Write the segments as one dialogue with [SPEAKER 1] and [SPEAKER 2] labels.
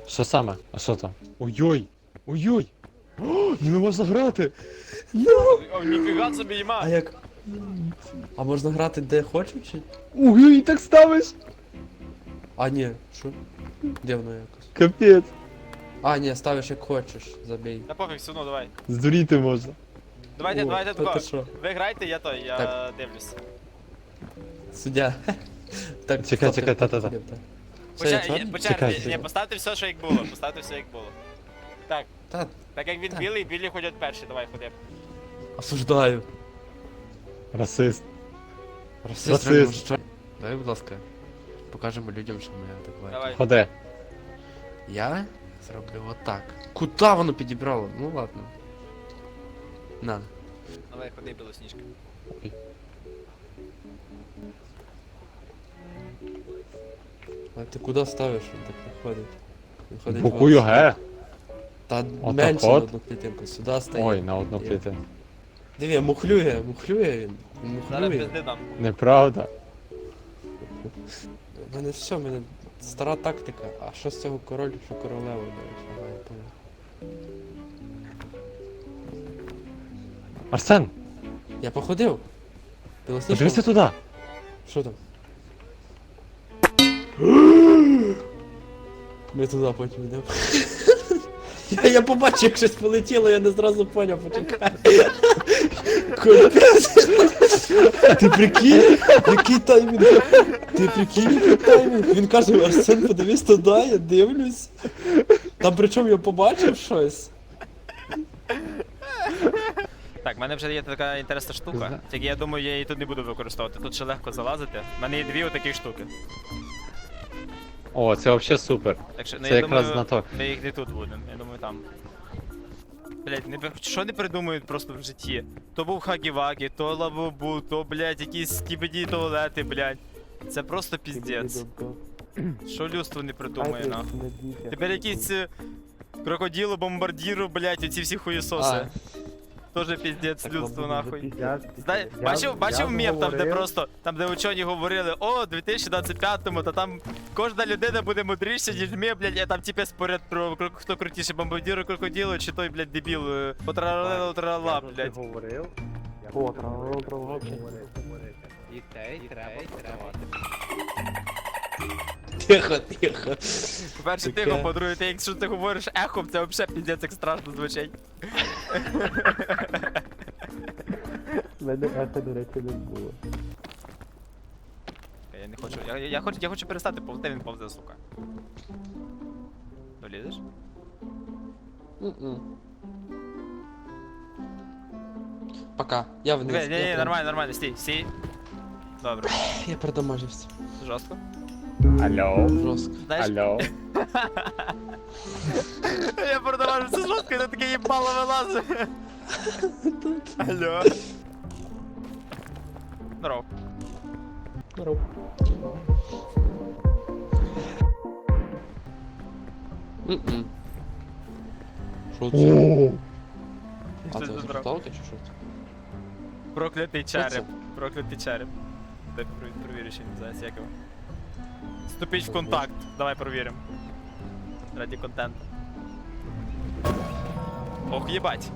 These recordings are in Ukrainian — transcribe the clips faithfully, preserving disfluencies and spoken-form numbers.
[SPEAKER 1] Що саме? А що там? Ой-ой! Ой-ой! О, не можна грати!
[SPEAKER 2] О, ніфіга собі
[SPEAKER 3] А
[SPEAKER 2] їма.
[SPEAKER 3] як? А можна грати де хочу чи?
[SPEAKER 1] Ой-ой, так ставиш!
[SPEAKER 3] А ні, що? Де воно якось?
[SPEAKER 1] Капець!
[SPEAKER 3] А, ні, ставиш як хочеш, забій.
[SPEAKER 2] Та пофіг, все одно, давай.
[SPEAKER 1] Здуріти можна.
[SPEAKER 2] Давайте,
[SPEAKER 3] О,
[SPEAKER 2] давайте
[SPEAKER 3] та ти
[SPEAKER 2] тако.
[SPEAKER 3] що?
[SPEAKER 2] Ви грайте, я той, я
[SPEAKER 3] Так.
[SPEAKER 2] дивлюсь.
[SPEAKER 3] Суддя. Так,
[SPEAKER 1] Чекай,
[SPEAKER 3] стоп,
[SPEAKER 1] чекай,
[SPEAKER 3] так,
[SPEAKER 1] та-та-та.
[SPEAKER 3] так, так. Все, я
[SPEAKER 2] Поча...
[SPEAKER 3] чорний?
[SPEAKER 2] Почати,
[SPEAKER 1] Чекай,
[SPEAKER 2] ні,
[SPEAKER 1] чекай.
[SPEAKER 2] поставте все, що як було, поставте все, як було. Так,
[SPEAKER 3] Та,
[SPEAKER 2] так як він
[SPEAKER 3] Так.
[SPEAKER 2] білий, білі ходять перші, давай, ходи.
[SPEAKER 3] осуждаю.
[SPEAKER 1] Расист.
[SPEAKER 3] Расист.
[SPEAKER 1] Расист.
[SPEAKER 3] реально, що? Дай, будь ласка, покажемо людям, що ми адекватні.
[SPEAKER 2] Давай.
[SPEAKER 1] Ходи.
[SPEAKER 3] Я зроблю отак. Куда воно підібрало? Ну ладно. На.
[SPEAKER 2] Давай, ходи, білосніжка.
[SPEAKER 3] А ти куди ставиш? Він так не ходить. Він ходить
[SPEAKER 1] Букую
[SPEAKER 3] в-
[SPEAKER 1] Г.
[SPEAKER 3] Та
[SPEAKER 1] Отак
[SPEAKER 3] менше на
[SPEAKER 1] от?
[SPEAKER 3] одну клітинку. Сюди стає.
[SPEAKER 1] Ой, на одну
[SPEAKER 3] Є.
[SPEAKER 1] клітину.
[SPEAKER 3] Диви, мухлює, мухлює він. Він
[SPEAKER 2] Зараз
[SPEAKER 3] мухлює.
[SPEAKER 2] пизди дам.
[SPEAKER 3] У
[SPEAKER 1] Неправда.
[SPEAKER 3] мене все, в мене стара тактика. А що з цього король, що королева, до речі, ага, я понял.
[SPEAKER 1] Арсен,
[SPEAKER 3] Я походив. Білосніжка.
[SPEAKER 1] подивися туди.
[SPEAKER 3] Що там? Ми туди потім йдемо. Я, я побачив, як щось полетіло, я не зразу поняв, почекай. Капець. Ти прикинь? Який таймінг? Ти прикинь, який таймінг? Він каже, Арсен, подивись туди, я дивлюсь. Там причому я побачив щось.
[SPEAKER 2] Так, в мене вже є така інтересна штука. Тільки я думаю, я її тут не буду використовувати. Тут ще легко залазити. В мене є дві отакі штуки.
[SPEAKER 1] О, це взагалі супер.
[SPEAKER 2] Так що, ну
[SPEAKER 1] Це
[SPEAKER 2] я
[SPEAKER 1] якраз
[SPEAKER 2] думаю,
[SPEAKER 1] на то.
[SPEAKER 2] ми їх не тут будемо, я думаю там. Блять, не що не придумують просто в житті? То був хагі-вагі, то лавобу, то, блять, якісь скібіді туалети, блять. Це просто піздець. Що людство не придумає, нахуй. Тепер якісь е, крокодило, бомбардіру, блять, оці всі хуєсоси. Тоже піздець людство, нахуй. Знає, бачив, бачив мем там, де просто, там де учені говорили, о, в дві тисячі двадцять п'ятому, та там кожна людина буде мудріша, ніж ми, блядь, а там типа споряд про кро- хто крутіше, бомбардіро, крокодило, чи той, блядь, дебіл, е, потралала, тралала, блядь.
[SPEAKER 4] говорив.
[SPEAKER 3] О, тралала, тралала.
[SPEAKER 4] Дітей треба тримати.
[SPEAKER 3] Тихо, тихо.
[SPEAKER 2] По-перше,
[SPEAKER 3] Таке.
[SPEAKER 2] тихо, по-друге, ти якщо ти говориш ехом, це взагалі піздець як страшно звучить.
[SPEAKER 4] Мене ехо, до речі, не було.
[SPEAKER 2] Я не хочу, я, я, я хочу, я хочу перестати повзти, він повзе, сука. Долізеш?
[SPEAKER 3] М-м. Пока. Я вниз.
[SPEAKER 2] Ні, ні,
[SPEAKER 3] я
[SPEAKER 2] ні,
[SPEAKER 3] прям-
[SPEAKER 2] нормально, нормально, стій, стій. Добре,
[SPEAKER 3] Я продамажився.
[SPEAKER 2] жорстко.
[SPEAKER 1] Алло.
[SPEAKER 3] Жорстко.
[SPEAKER 2] Знаєш,
[SPEAKER 1] Алло.
[SPEAKER 2] я продавав все жорстко, і ти таке їбало вилазить. Алло. Здоров.
[SPEAKER 3] Здоров. М-м. Що це?
[SPEAKER 1] О,
[SPEAKER 3] А
[SPEAKER 2] Що
[SPEAKER 3] це
[SPEAKER 2] це здоров?
[SPEAKER 3] зашепталки чи що це?
[SPEAKER 2] Проклятий
[SPEAKER 3] Що це?
[SPEAKER 2] череп. Проклятий череп. Дай провір- провірю, що він називається, як його. Вступіть в
[SPEAKER 3] Ого.
[SPEAKER 2] контакт. Давай провіримо. Раді контенту. Ох, їбать.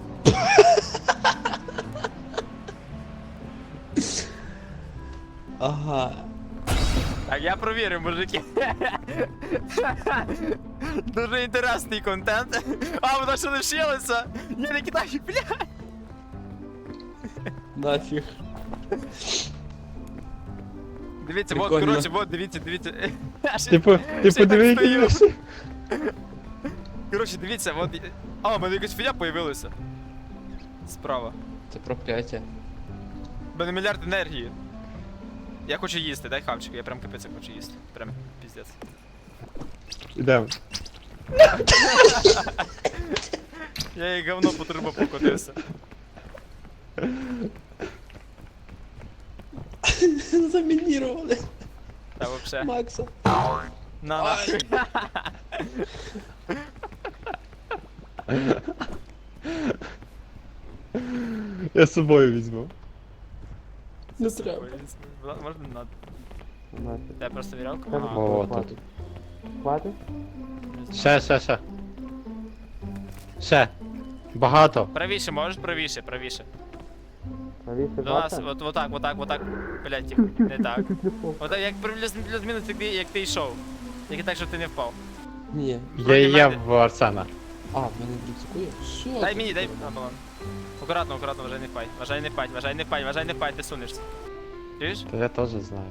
[SPEAKER 3] Ага.
[SPEAKER 2] Так, я провірив, мужики. Дуже інтересний контент. А, воно ще лишилося. Я не кидаю, бля.
[SPEAKER 3] Нафіг.
[SPEAKER 2] Дивіться, вот,
[SPEAKER 3] Прикольно.
[SPEAKER 2] коротше, вот, дивіться, дивіться. Я ще-
[SPEAKER 1] Типу, ти
[SPEAKER 2] ще так
[SPEAKER 1] подиви,
[SPEAKER 2] стою.
[SPEAKER 1] які наші.
[SPEAKER 2] Коротше, дивіться, от. А, у мене якась фігня появилася. Справа.
[SPEAKER 3] Це прокляття.
[SPEAKER 2] У мене мільярд енергії. Я хочу їсти, дай хавчик, я прям капець як хочу їсти. Прям піздець.
[SPEAKER 1] Ідемо.
[SPEAKER 2] Я їй говно по трубу покотився.
[SPEAKER 3] Замінірували.
[SPEAKER 2] Та вообще.
[SPEAKER 3] Макса.
[SPEAKER 2] На нахуй.
[SPEAKER 1] Я з собою візьму.
[SPEAKER 3] Не треба.
[SPEAKER 2] Можна не надо.
[SPEAKER 4] Нафіг.
[SPEAKER 2] Тебе просто вірялка?
[SPEAKER 4] Треба
[SPEAKER 2] Ага.
[SPEAKER 1] О,
[SPEAKER 4] хватить.
[SPEAKER 1] тут.
[SPEAKER 4] Хватить?
[SPEAKER 2] Не
[SPEAKER 1] Ще, ще, ще. Ще. Багато.
[SPEAKER 2] Правіше, можеш правіше, правіше.
[SPEAKER 4] Навіщо
[SPEAKER 2] До нас,
[SPEAKER 4] бати?
[SPEAKER 2] от, отак, отак, отак. Блядь, тихо, не так. Отак, як плюс-мінус, як ти, як ти йшов. Тільки так, щоб ти не впав.
[SPEAKER 3] Ні.
[SPEAKER 1] Я і є в Арсена.
[SPEAKER 3] А, в мене в рюкзаку є? Що?
[SPEAKER 2] Дай
[SPEAKER 3] ти?
[SPEAKER 2] мені, дай. А, балон. Акуратно, акуратно, вважай не впадь. Вважай не впадь, вважай не впадь, вважай не впадь, ти сунешся. Чуєш?
[SPEAKER 1] Та я теж знаю.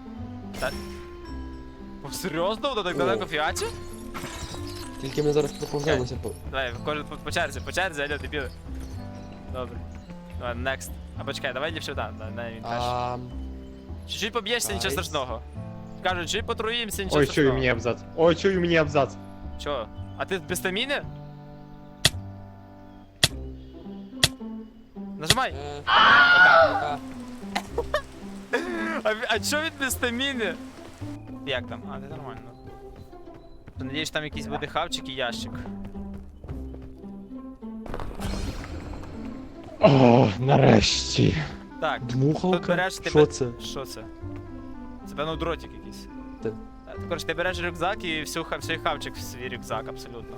[SPEAKER 2] О, серйозно? Воно так
[SPEAKER 3] О.
[SPEAKER 2] далеко фіаче?
[SPEAKER 3] Тільки ми зараз проповземося по...
[SPEAKER 2] Давай, кожен по, по черзі, по черзі, алло, дебіли. Добре. Давай, next. Або чекай, давай ліпше, да, да, да, він перший.
[SPEAKER 3] А,
[SPEAKER 2] Чуть-чуть поб'єшся, нічого
[SPEAKER 3] Найс.
[SPEAKER 2] страшного. Кажуть, чуть потруїмося, нічого
[SPEAKER 1] Ой,
[SPEAKER 2] страшного.
[SPEAKER 1] чую мені абзац. Ой, чую мені абзац.
[SPEAKER 2] Чо? А ти без стаміни? Нажимай!
[SPEAKER 3] е, а,
[SPEAKER 2] А, ві- а чо він без стаміни? Як там? А, це нормально. То надіюсь, там якийсь буде хавчик і ящик.
[SPEAKER 1] О, нарешті.
[SPEAKER 2] Так, тут
[SPEAKER 3] Дмухалка?
[SPEAKER 2] береш ти
[SPEAKER 3] Що
[SPEAKER 2] бе-
[SPEAKER 3] це?
[SPEAKER 2] Що це? Це певно дротик якийсь.
[SPEAKER 3] Та-
[SPEAKER 2] Так, коротше, ти береш рюкзак і всю, ха- всій хавчик в свій рюкзак, абсолютно.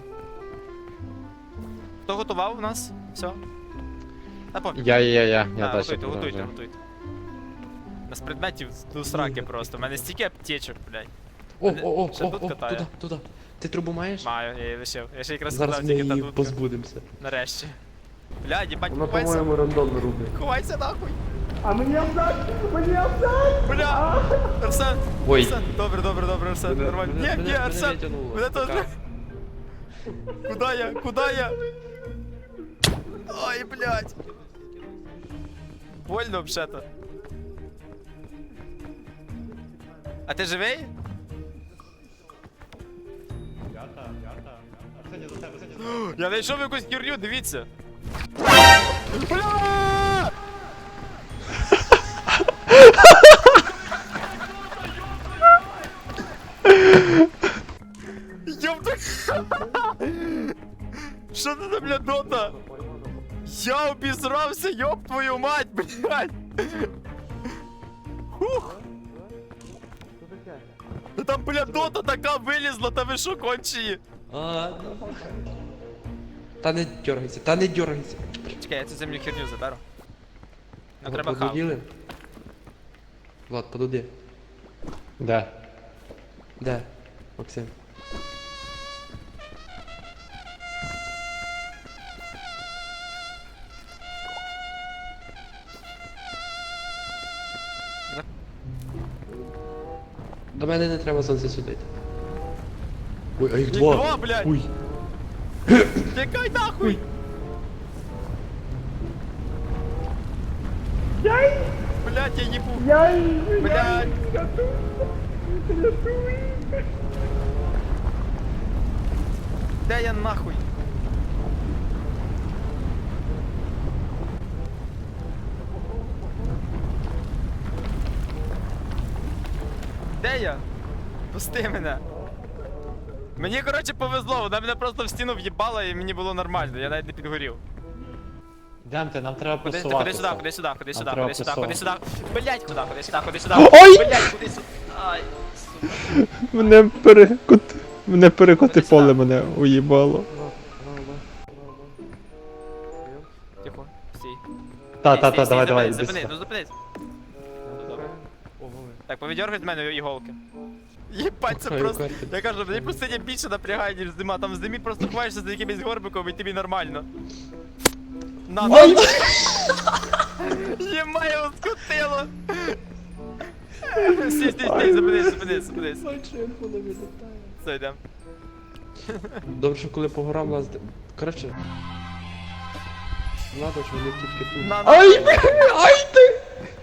[SPEAKER 2] Хто готував у нас? Все? Та пофіг.
[SPEAKER 1] Я, я, я, я
[SPEAKER 2] Так,
[SPEAKER 1] далі
[SPEAKER 2] готуйте, готуйте,
[SPEAKER 1] продовжую.
[SPEAKER 2] готуйте. У нас предметів до сраки просто. У мене стільки аптечок, блядь.
[SPEAKER 3] О, о, о,
[SPEAKER 2] Ще
[SPEAKER 3] о,
[SPEAKER 2] тут
[SPEAKER 3] о,
[SPEAKER 2] катає.
[SPEAKER 3] туди, туди. Ти трубу маєш?
[SPEAKER 2] Маю, я її лишив. Я ще якраз
[SPEAKER 3] Зараз
[SPEAKER 2] сказав
[SPEAKER 3] ми
[SPEAKER 2] тільки та
[SPEAKER 3] її
[SPEAKER 2] дудка.
[SPEAKER 3] позбудемося.
[SPEAKER 2] Нарешті. Блядь, їбать,
[SPEAKER 4] Воно,
[SPEAKER 2] ховайся.
[SPEAKER 4] по-моєму, рандомно рубить.
[SPEAKER 2] Ховайся нахуй.
[SPEAKER 4] А мені абзац! Мені абзац!
[SPEAKER 2] Бля! Арсен!
[SPEAKER 3] Ой.
[SPEAKER 2] Арсен! Добре, добре, добре, Арсен,
[SPEAKER 3] Мене-
[SPEAKER 2] нормально.
[SPEAKER 3] мене-
[SPEAKER 2] Ні,
[SPEAKER 3] мене-
[SPEAKER 2] ні,
[SPEAKER 3] мене
[SPEAKER 2] Арсен!
[SPEAKER 3] витягнуло.
[SPEAKER 2] Мене теж.
[SPEAKER 3] Пока.
[SPEAKER 2] Куда я? Куда я? Ой, блядь. Больно вообще-то. А ти живий? Я знайшов якусь херню, дивіться. Бля! Ёпта! Що це за бля дота? Я обісрався, ёб твою мать, блядь! Хух! Та там, бля, дота така вилізла, та ви що кончені?
[SPEAKER 3] А, ну. Та не дергайся, та не дергайся.
[SPEAKER 2] Чекай, я цю землю херню заберу. Ну треба хав.
[SPEAKER 3] Подуділи? Влад, подуди.
[SPEAKER 1] Де?
[SPEAKER 3] Де? Максим. До мене не треба сонце судити. Ой, а їх
[SPEAKER 2] Їх
[SPEAKER 3] два.
[SPEAKER 2] два, блядь.
[SPEAKER 3] Ой.
[SPEAKER 2] Тікай нахуй! Блядь, я їбу! Блядь! Де я нахуй? Де я? Пусти мене. Мені, коротше, повезло, вона мене просто в стіну в'їбала і мені було нормально, я навіть не підгорів.
[SPEAKER 1] Демте, нам треба
[SPEAKER 2] Ходи, ходи
[SPEAKER 1] просуватися.
[SPEAKER 2] сюди, ходи сюди, ходи сюди,
[SPEAKER 1] треба
[SPEAKER 2] ходи сюди, ходи сюди. Блять, куди, ходи сюди, ходи сюди.
[SPEAKER 1] Ой!
[SPEAKER 2] Блять, ходи сюди. Ай, сука.
[SPEAKER 1] Мене перекот... Мене перекоти
[SPEAKER 2] Ходи сюди.
[SPEAKER 1] поле мене уїбало.
[SPEAKER 2] Тихо, стій.
[SPEAKER 1] Та,
[SPEAKER 2] Стій,
[SPEAKER 1] та,
[SPEAKER 2] стій,
[SPEAKER 1] та,
[SPEAKER 2] стій,
[SPEAKER 1] давай, давай,
[SPEAKER 2] зупинись,
[SPEAKER 1] іди
[SPEAKER 2] Зупинись,
[SPEAKER 1] сюди.
[SPEAKER 2] ну зупинись. Ну, добре. Так, повідьоргай з мене іголки. Єбать, це
[SPEAKER 3] Ой,
[SPEAKER 2] просто.
[SPEAKER 3] карти.
[SPEAKER 2] Я кажу, мені просто не більше напрягає, ніж зима. Там в зимі просто ховаєшся за якимось горбиком і тобі нормально. На, на. Єма, його скотило. Стій, стій, стій, зупинись, зупинись, зупинись. Все, йдем.
[SPEAKER 3] Добре, що коли по горам лазити. Коротше. Ладно, що вони тільки тут.
[SPEAKER 2] На, на.
[SPEAKER 1] Ай, бля, ай ти!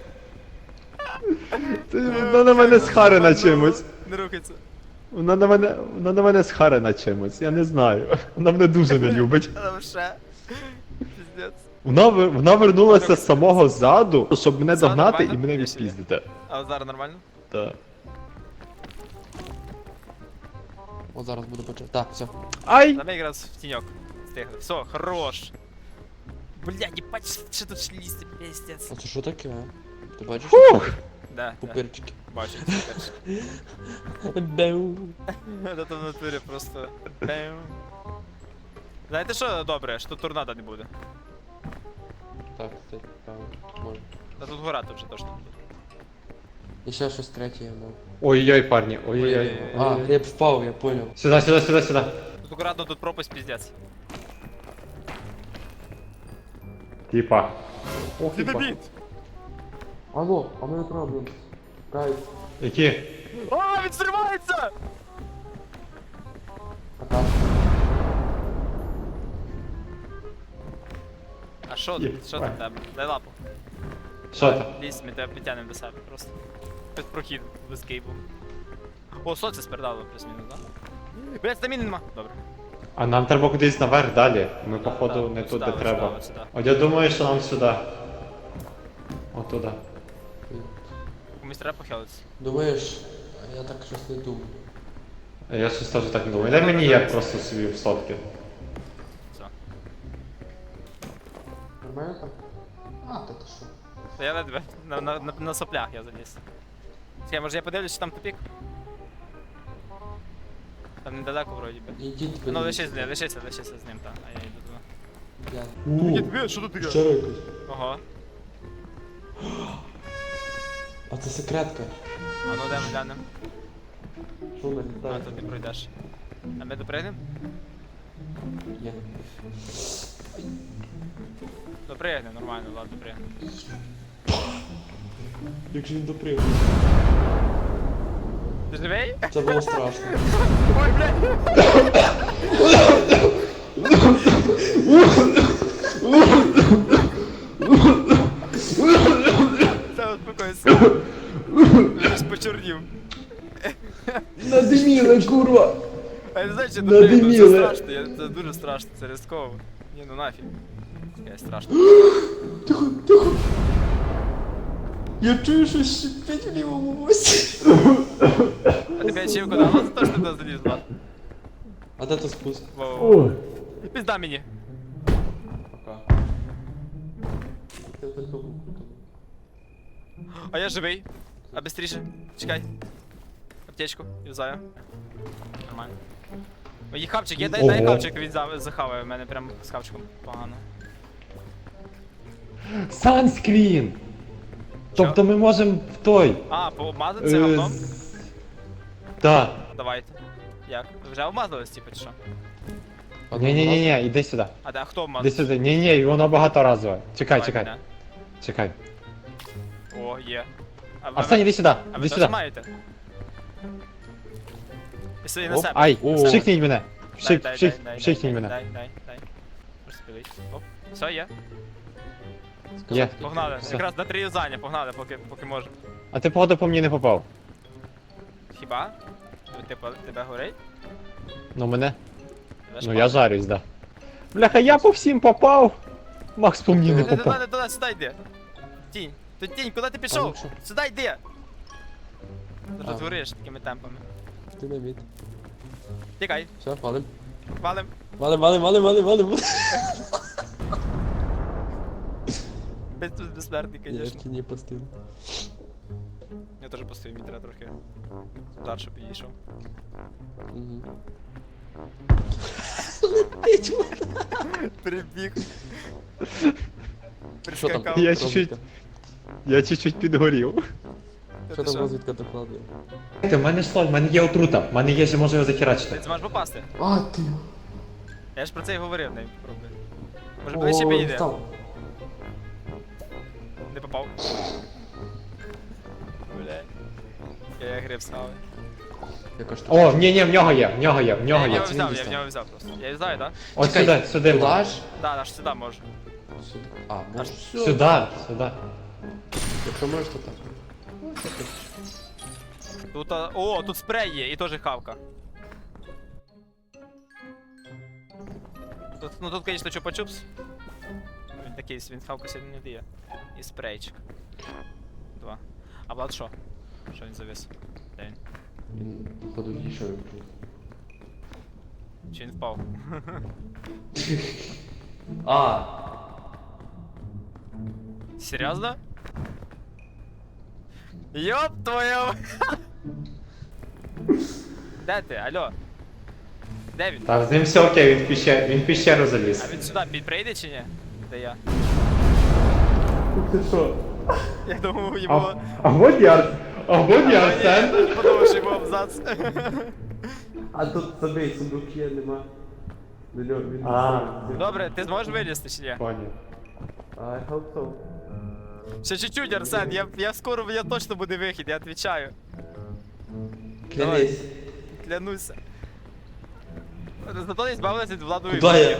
[SPEAKER 1] Ти- Вона на мене схарена чимось.
[SPEAKER 2] Не рухайся.
[SPEAKER 1] Вона на мене, вона на мене схарена чимось, я не знаю. Вона мене дуже не любить.
[SPEAKER 2] А там ще. Піздець.
[SPEAKER 1] Вона, вер- вона вернулася з самого ззаду, щоб мене
[SPEAKER 2] Все
[SPEAKER 1] догнати і
[SPEAKER 2] нормально?
[SPEAKER 1] мене
[SPEAKER 2] Я ще є.
[SPEAKER 1] відпіздити.
[SPEAKER 2] А зараз нормально?
[SPEAKER 1] Так.
[SPEAKER 3] От зараз буду почати. Так, все.
[SPEAKER 1] Ай!
[SPEAKER 2] Давай якраз в тіньок. Стигли. Все, хорош. Блядь, ебать, що тут шлісти, пиздец.
[SPEAKER 3] А це що таке, а? Ти бачиш?
[SPEAKER 1] Фух!
[SPEAKER 2] Де? Де?
[SPEAKER 3] Пупирчики.
[SPEAKER 2] Бачу, це перше.
[SPEAKER 3] Беу.
[SPEAKER 2] Це в натурі просто. Бем. Знаєте що добре, що тут торнадо не буде.
[SPEAKER 3] Так, кстати, так, може.
[SPEAKER 2] Та тут гора тут вже точно не буде.
[SPEAKER 3] І ще щось третє я мав.
[SPEAKER 1] Ой-ой-ой, парні, ой-ой-ой.
[SPEAKER 3] А, реп впав, я понял.
[SPEAKER 1] Сюди, сюди, сюди, сюди.
[SPEAKER 2] Тут акуратно, тут пропасть піздець.
[SPEAKER 1] Типа. Ох, типа.
[SPEAKER 3] Алло, а ми проблем. Гайс.
[SPEAKER 1] Які?
[SPEAKER 2] А, він зривається!
[SPEAKER 3] Пока.
[SPEAKER 2] А що
[SPEAKER 1] Є.
[SPEAKER 2] тут? Що там в тебе? Дай лапу.
[SPEAKER 1] Що там?
[SPEAKER 2] Лізь, ми тебе підтягнемо до себе просто. Без прохід, без кейбу. О, сонце спередало плюс-мінус, да? Блять, стаміни нема. Добре.
[SPEAKER 1] А нам треба кудись наверх далі. Ми, походу,
[SPEAKER 2] Да,
[SPEAKER 1] не
[SPEAKER 2] от
[SPEAKER 1] тут,
[SPEAKER 2] сюди,
[SPEAKER 1] де
[SPEAKER 2] от
[SPEAKER 1] треба.
[SPEAKER 2] сюди, от сюди.
[SPEAKER 1] От я думаю, що нам сюди. Отуда.
[SPEAKER 2] Комусь треба похилитися.
[SPEAKER 3] Думаєш, а я так щось не думаю.
[SPEAKER 1] Я щось теж так не думаю. Дай мені я просто собі в сотки.
[SPEAKER 2] Все.
[SPEAKER 3] Нормально так? А, та ти що?
[SPEAKER 2] Та я ледве на, на, на, на соплях я заліз. Чекай, може я подивлюсь, чи там тупік? Там недалеко вроді би.
[SPEAKER 3] Ідіть,
[SPEAKER 2] Ну
[SPEAKER 3] подивіться.
[SPEAKER 2] лишись, лишися, лишися з ним, так, а я йду туди.
[SPEAKER 3] Я.
[SPEAKER 2] Ні, диви, що тут таке?
[SPEAKER 3] Ще якось.
[SPEAKER 2] Ага.
[SPEAKER 3] А це секретка.
[SPEAKER 2] А ну йдемо глянемо.
[SPEAKER 3] Що вона
[SPEAKER 2] А
[SPEAKER 3] літає?
[SPEAKER 2] тут не пройдеш. А ми допригнемо?
[SPEAKER 3] Є.
[SPEAKER 2] Допригнемо, нормально, ладно, допригнемо.
[SPEAKER 3] Як же він доприв?
[SPEAKER 2] Ти живий?
[SPEAKER 3] Це було страшно.
[SPEAKER 2] Ой, блядь! Та успокойся. Щось почорнів.
[SPEAKER 3] Надиміли, курва!
[SPEAKER 2] А я не знаю, чи допригну, це
[SPEAKER 3] Надиміли.
[SPEAKER 2] страшно, я- це дуже страшно, це ризиково. Ні, ну нафіг. Чекай, страшно.
[SPEAKER 3] Тихо, тихо! Я чую, що шипить в лівому вусі.
[SPEAKER 2] А тебе ачівку дала за те, що ти туди залізла?
[SPEAKER 3] А де то спуск?
[SPEAKER 2] Воу. Пізда мені.
[SPEAKER 3] Пока. Я только був.
[SPEAKER 2] А я живий. А быстріше. Чекай. Аптечку, юзаю. Нормально. Ой, хавчик, є, дай, дай
[SPEAKER 1] Ого.
[SPEAKER 2] хавчик, він за- захаває, в мене прям з хавчиком погано.
[SPEAKER 1] Санскрін! Тобто ми можемо в той.
[SPEAKER 2] А, пообмазати це
[SPEAKER 1] Е,
[SPEAKER 2] говном?
[SPEAKER 1] з- Так.
[SPEAKER 2] Давайте. Як? Ви вже обмазались, типу, чи що?
[SPEAKER 1] Ні-ні-ні, іди сюди.
[SPEAKER 2] А де, а хто
[SPEAKER 1] Іди
[SPEAKER 2] обмазав?
[SPEAKER 1] сюди. Ні-ні, воно багаторазове. Чекай,
[SPEAKER 2] Давай
[SPEAKER 1] чекай.
[SPEAKER 2] мене.
[SPEAKER 1] Чекай.
[SPEAKER 2] О, є. А ви,
[SPEAKER 1] Арсен, іди сюди.
[SPEAKER 2] а ви
[SPEAKER 1] Іди
[SPEAKER 2] теж
[SPEAKER 1] сюди.
[SPEAKER 2] маєте? І сюди на
[SPEAKER 1] Оп,
[SPEAKER 2] себе.
[SPEAKER 1] ай,
[SPEAKER 3] О.
[SPEAKER 1] вшикніть мене.
[SPEAKER 2] Дай,
[SPEAKER 1] Вшик,
[SPEAKER 2] дай,
[SPEAKER 1] вшик,
[SPEAKER 2] дай, дай,
[SPEAKER 1] вшикніть
[SPEAKER 2] дай,
[SPEAKER 1] мене.
[SPEAKER 2] Дай, дай, дай. Розпилить. Оп. Все, є.
[SPEAKER 1] Є.
[SPEAKER 2] Погнали.
[SPEAKER 1] Все.
[SPEAKER 2] Якраз на три юзання, погнали, поки, поки можемо.
[SPEAKER 1] А ти походу по мені не попав.
[SPEAKER 2] Хіба? Типу, тебе горить?
[SPEAKER 1] Ну мене.
[SPEAKER 2] Тебе ж
[SPEAKER 1] Ну я жарюсь, да. Бляха, я по всім попав. Макс по мені не
[SPEAKER 2] Туди,
[SPEAKER 1] попав.
[SPEAKER 2] туди, туди, сюди йди. Тінь. Тут тінь, куди ти
[SPEAKER 3] А,
[SPEAKER 2] пішов?
[SPEAKER 3] ну що?
[SPEAKER 2] Сюди йди. Ти
[SPEAKER 3] А.
[SPEAKER 2] тут гориш такими темпами.
[SPEAKER 3] Ти не від.
[SPEAKER 2] Тікай,
[SPEAKER 3] Все, валим.
[SPEAKER 2] валим.
[SPEAKER 3] Валим, валим, валим, валим, валим.
[SPEAKER 2] Без тут безсмертний,
[SPEAKER 3] Я
[SPEAKER 2] звісно.
[SPEAKER 3] ще не постив.
[SPEAKER 2] Я теж постою, мені треба трохи. Удар, щоб підійшов.
[SPEAKER 3] Угу.
[SPEAKER 2] Прибіг.
[SPEAKER 3] Що там?
[SPEAKER 2] Прискакав.
[SPEAKER 1] Я
[SPEAKER 3] розвідка?
[SPEAKER 1] чуть-чуть. Я чуть-чуть підгорів.
[SPEAKER 2] Та
[SPEAKER 3] Що
[SPEAKER 2] ти
[SPEAKER 3] там розвідка докладує?
[SPEAKER 1] В мене що, в мене є отрута, в мене є, що можу його
[SPEAKER 2] Ти
[SPEAKER 1] захерачити.
[SPEAKER 2] зможеш попасти?
[SPEAKER 3] А, ти.
[SPEAKER 2] Я ж про це і говорив, не пробуй. Може ближче підійде?
[SPEAKER 3] встав.
[SPEAKER 2] Не попав. Бля. Я гриб схаваю.
[SPEAKER 3] Яка ж
[SPEAKER 1] О, ні, ні, в нього є, в нього є, в нього
[SPEAKER 2] Я
[SPEAKER 1] є.
[SPEAKER 2] його
[SPEAKER 3] це
[SPEAKER 2] взяв,
[SPEAKER 3] він
[SPEAKER 2] я в
[SPEAKER 3] дістав.
[SPEAKER 2] нього взяв просто. Я взяв, так?
[SPEAKER 1] От
[SPEAKER 3] Чекай,
[SPEAKER 1] сюди, сюди.
[SPEAKER 3] Туди
[SPEAKER 1] можна.
[SPEAKER 3] ж?
[SPEAKER 2] Да, аж сюди можу.
[SPEAKER 3] Сюди. А, можеш.
[SPEAKER 1] Сюди, сюди.
[SPEAKER 3] Якщо можеш, то так.
[SPEAKER 2] Тут, а, о, тут спрей є, і теж хавка. Тут, ну тут, конечно, чупа-чупс. Він такий, він хавку сьогодні не дає. І спрейчик. Два. А Влад що? Що він завис? Де він?
[SPEAKER 3] Він, походу, дійшов.
[SPEAKER 2] Чи він впав?
[SPEAKER 3] А,
[SPEAKER 2] Серйозно? Йоп твою! Де ти? Алло? Де він?
[SPEAKER 1] Так, з ним все окей, він в піщеру, він в піщеру заліз.
[SPEAKER 2] А він сюди під прийде чи ні? Де я?
[SPEAKER 4] Ти що?
[SPEAKER 2] Я думав,
[SPEAKER 1] А,
[SPEAKER 2] йому...
[SPEAKER 1] а вот я, а вот я,
[SPEAKER 2] А, ні, я
[SPEAKER 1] Арсен.
[SPEAKER 2] теж подумав, що йому абзац.
[SPEAKER 3] А тут забий, сундук є, нема. До нього він.
[SPEAKER 1] А.
[SPEAKER 2] Добре, ти зможеш вилізти чи ні?
[SPEAKER 1] Понял.
[SPEAKER 3] I hope so.
[SPEAKER 2] Ще чуть-чуть, Арсен, я, я скоро, я точно буде вихід, я відповідаю. Давай.
[SPEAKER 3] Клянись.
[SPEAKER 2] Клянуся. Зато не збавилися від владу
[SPEAKER 3] Куда я?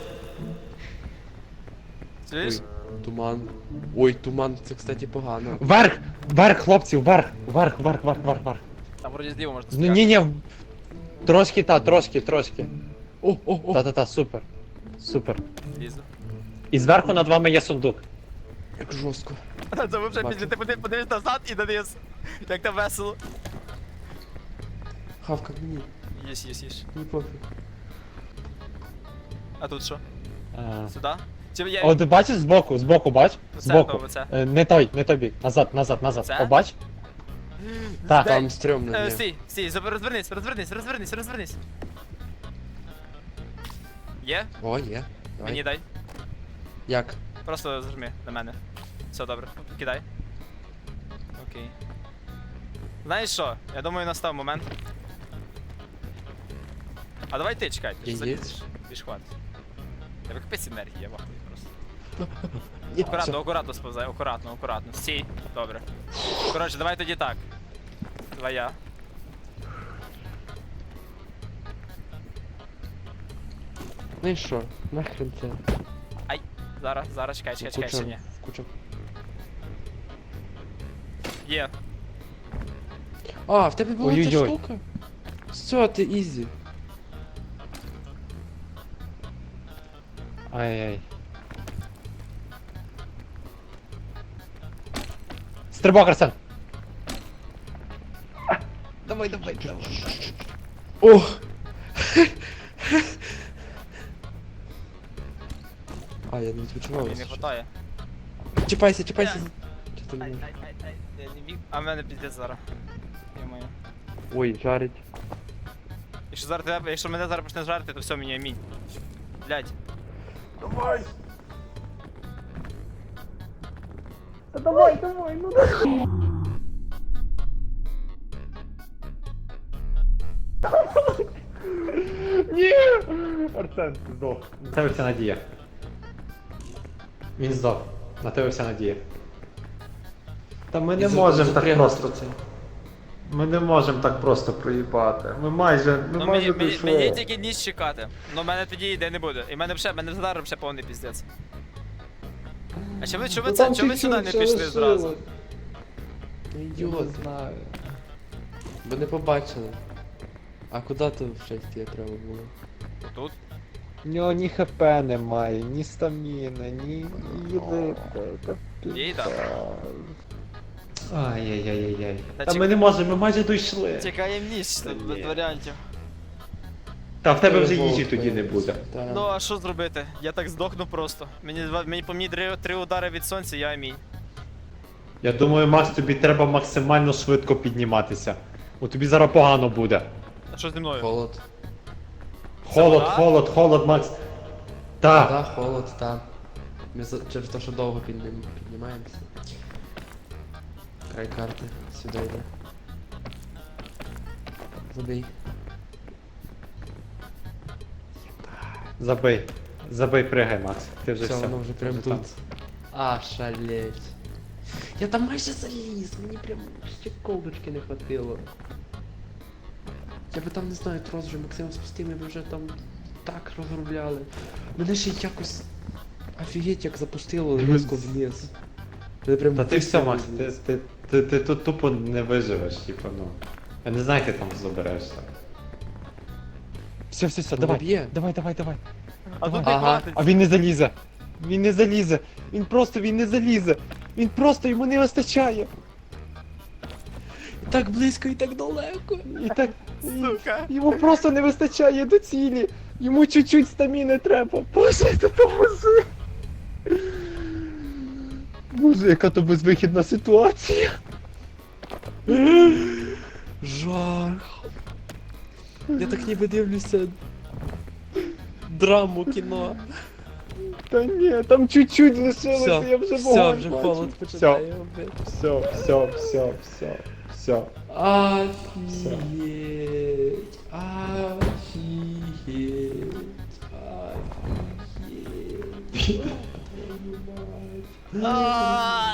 [SPEAKER 2] Чуєш?
[SPEAKER 3] Ой, туман. Ой, туман, це, кстати, погано.
[SPEAKER 1] Вверх, вверх, хлопці, вверх, вверх, вверх, вверх, вверх, вверх.
[SPEAKER 2] Там вроді зліва можна
[SPEAKER 1] Ну
[SPEAKER 2] сказати.
[SPEAKER 1] ні, ні, трошки та, трошки, трошки.
[SPEAKER 3] О, о, о,
[SPEAKER 1] Та-та-та, супер. Супер.
[SPEAKER 2] Лізу.
[SPEAKER 1] І зверху над вами є сундук.
[SPEAKER 3] як жорстко.
[SPEAKER 2] Це ви вже
[SPEAKER 3] Бачу.
[SPEAKER 2] після ти подив- подивись назад і дониз. Як там весело.
[SPEAKER 3] Хавка, мені,
[SPEAKER 2] Їж, їж, їж.
[SPEAKER 3] мені пофіг.
[SPEAKER 2] А тут що?
[SPEAKER 1] А.
[SPEAKER 2] Сюди? Чи я...
[SPEAKER 1] От бачиш збоку, збоку, бач?
[SPEAKER 2] Оце,
[SPEAKER 1] Збоку.
[SPEAKER 2] то, оце.
[SPEAKER 1] Е, Не той, не той бік. Назад, назад, назад.
[SPEAKER 2] Це?
[SPEAKER 1] О, бач? Так.
[SPEAKER 3] Там стрьомно,
[SPEAKER 2] Е,
[SPEAKER 3] ні.
[SPEAKER 2] стій, стій, заб- розвернись, розвернись, розвернись, розвернись. Є?
[SPEAKER 3] О, є. Давай.
[SPEAKER 2] Мені дай.
[SPEAKER 3] Як?
[SPEAKER 2] Просто зажми на мене. Все добре, кидай. Окей. Знаєш що? Я думаю, настав момент. А давай ти чекай, ти ж
[SPEAKER 3] Є,
[SPEAKER 2] залізеш. Більш хватить. Тебе капець енергії, я вахую просто.
[SPEAKER 3] Є,
[SPEAKER 2] Акуратно,
[SPEAKER 3] все.
[SPEAKER 2] акуратно сповзай, акуратно, акуратно. Стій. Добре. Коротше, давай тоді так. Давай я.
[SPEAKER 3] Ну і що? Нахрен це?
[SPEAKER 2] Зараз, зараз, чекай, чекай, чекай, ще ні.
[SPEAKER 3] Куча.
[SPEAKER 2] Є.
[SPEAKER 3] А, в тебе була ця
[SPEAKER 1] Ой-ой-ой.
[SPEAKER 3] штука? Все, ти ізі.
[SPEAKER 1] Ай-яй. Стрибок, Арсен. Давай, давай, давай.
[SPEAKER 3] О! А, я не відпочивав.
[SPEAKER 2] Мені не хватає.
[SPEAKER 3] Чіпайся, чіпайся.
[SPEAKER 2] Я-
[SPEAKER 3] Чи ти
[SPEAKER 2] Ай,
[SPEAKER 3] не-
[SPEAKER 2] ай, ай, ай. Я не міг. А в мене піздець зараз. Йо-моє.
[SPEAKER 3] Ой, жарить.
[SPEAKER 2] Якщо зараз тебе, якщо мене зараз почне жарити, то все, мені амінь. Блядь.
[SPEAKER 3] Давай!
[SPEAKER 4] Давай, давай, ну давай.
[SPEAKER 1] Ні! Арсен, здох. На тебе вся надія. Він здох. На тебе вся надія. Та ми не
[SPEAKER 3] І за-
[SPEAKER 1] можемо так
[SPEAKER 3] запрягнути
[SPEAKER 1] просто.
[SPEAKER 3] це.
[SPEAKER 1] Ми не можемо так просто проїбати. Ми майже, ми
[SPEAKER 2] Ну мені,
[SPEAKER 1] майже
[SPEAKER 2] мені,
[SPEAKER 1] дійшли.
[SPEAKER 2] мені тільки ніч чекати. Ну в мене тоді йде не буде. І в мене вже, в мене зараз ще повний піздець. А чому ви, чому ви,
[SPEAKER 3] Ну,
[SPEAKER 2] це,
[SPEAKER 3] там
[SPEAKER 2] чому ви сюди не
[SPEAKER 3] чуть-чуть
[SPEAKER 2] пішли
[SPEAKER 3] ще
[SPEAKER 2] зразу?
[SPEAKER 3] лишилось. Ну, Ідіот.
[SPEAKER 1] знаю.
[SPEAKER 3] Ви не побачили. А куди то в шесті треба було?
[SPEAKER 2] Тут?
[SPEAKER 1] У нього ні хп немає, ні стаміни, ні їди.
[SPEAKER 2] Їда.
[SPEAKER 1] Ай-яй-яй-яй.
[SPEAKER 2] Та
[SPEAKER 1] Та
[SPEAKER 2] чек-
[SPEAKER 1] ми не можемо, ми майже дійшли.
[SPEAKER 2] Чекаємо ніч,
[SPEAKER 1] Та
[SPEAKER 2] тут без
[SPEAKER 1] ні.
[SPEAKER 2] варіантів.
[SPEAKER 1] Та в тебе вже
[SPEAKER 3] Вовк,
[SPEAKER 1] їжі тоді не буде.
[SPEAKER 3] Та.
[SPEAKER 2] Ну а що зробити? Я так здохну просто. Мені, два- мені по мені три, три удари від сонця, я амінь.
[SPEAKER 1] Я думаю, Макс, тобі треба максимально швидко підніматися. Бо тобі зараз погано буде.
[SPEAKER 2] А що зі мною?
[SPEAKER 3] Холод.
[SPEAKER 1] Холод,
[SPEAKER 2] вода?
[SPEAKER 1] холод, холод, Макс. Так.
[SPEAKER 3] Та, холод, та. Ми за... через те, що довго піднім... піднімаємося. Край карти. Сюди йде. Забий.
[SPEAKER 1] Забий. Забий, пригай, Макс. Ти вже
[SPEAKER 3] Все,
[SPEAKER 1] все.
[SPEAKER 3] воно вже прям
[SPEAKER 1] Вже
[SPEAKER 3] тут.
[SPEAKER 1] там.
[SPEAKER 3] А, шалеть. Я там майже заліз, мені прям ще колдочки не хватило. Я би там, не знаю, трос вже максимум спустив, ми б вже там так розробляли. Мене ще якось офігеть як запустило різко вниз. Мене прям
[SPEAKER 1] Та ти все,
[SPEAKER 3] вистрілило
[SPEAKER 1] Макс, ти,
[SPEAKER 3] вниз.
[SPEAKER 1] ти, ти, ти тут тупо не виживеш, типу, ну. Я не знаю, як ти там заберешся. Все, все, все,
[SPEAKER 3] Воно б'є.
[SPEAKER 1] Давай, давай, давай.
[SPEAKER 2] А тут
[SPEAKER 3] Ага.
[SPEAKER 2] не хватить.
[SPEAKER 1] А він не залізе. Він не залізе. Він просто він не залізе. Він просто йому не вистачає.
[SPEAKER 3] І так близько і так далеко.
[SPEAKER 1] І так. і-
[SPEAKER 2] Сука.
[SPEAKER 1] Йому просто не вистачає до цілі. Йому чуть-чуть стаміни треба. Боже, допоможи. Боже, яка то безвихідна ситуація.
[SPEAKER 3] Жах. Я так ніби дивлюся драму кіно.
[SPEAKER 1] Та ні, там чуть-чуть лишилося,
[SPEAKER 3] Все,
[SPEAKER 1] я вже
[SPEAKER 3] все,
[SPEAKER 1] вогонь
[SPEAKER 3] вже
[SPEAKER 1] бачу.
[SPEAKER 3] холод починає. блядь.
[SPEAKER 1] Все, все, все, все, все.
[SPEAKER 3] Офігеть. Офігеть. Офігеть.
[SPEAKER 2] А,